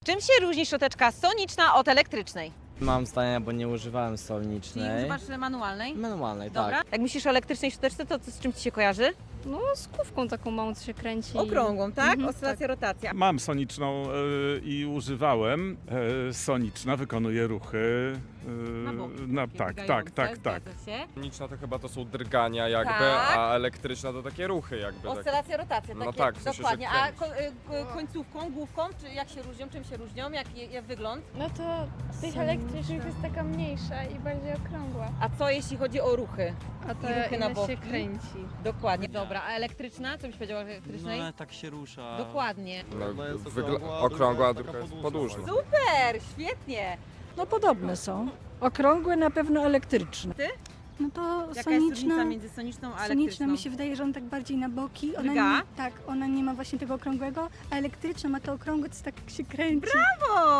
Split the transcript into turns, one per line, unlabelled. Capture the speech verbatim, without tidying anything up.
Czym się różni szczoteczka soniczna od elektrycznej?
Mam zdania, bo nie używałem
Czyli
solnicznej.
używasz manualnej?
Manualnej,
Dobra.
tak.
Jak myślisz o elektrycznej szczoteczce, to co, z czym Ci się kojarzy?
No z kówką taką małą, co się kręci.
Okrągłą, tak?
Mhm,
Oscylacja, rotacja.
Mam soniczną y, i używałem. Y, soniczna wykonuje ruchy. Y,
Na boki,
na,
takie
tak,
biegające,
tak, tak, tak.
zgadza się.
Soniczna to chyba to są drgania jakby,
Tak.
a elektryczna to takie ruchy jakby. Tak.
Oscylacja, rotacja,
No
takie,
tak, w sensie, że
dokładnie. A
kręci.
ko- y, ko- końcówką, główką, czy jak się różnią, czym się różnią, jak, je- jak wygląd?
No to z tych elektrycznych jest taka mniejsza i bardziej okrągła.
A co jeśli chodzi o ruchy?
A
I
ta
ruchy na
inna się
boki?
kręci.
Dokładnie. Dobra, a elektryczna? Co byś powiedziała o
No
elektrycznej?
ale tak się rusza.
Dokładnie.
No,
Jedna jest
wygl-
okrągła, a
okrągła, a
druga
druga
jest
jest
taka
podłużna.
podłużna.
Super, świetnie.
No podobne są. Okrągłe, na pewno elektryczne.
No to
Jaka jest różnica
soniczna,
między soniczną a
soniczna
elektryczną?
mi się wydaje, że on tak bardziej na boki. Ona
Drga?
nie, tak, ona nie ma właśnie tego okrągłego, a elektryczna ma to okrągłe, co tak się kręci.
Brawo!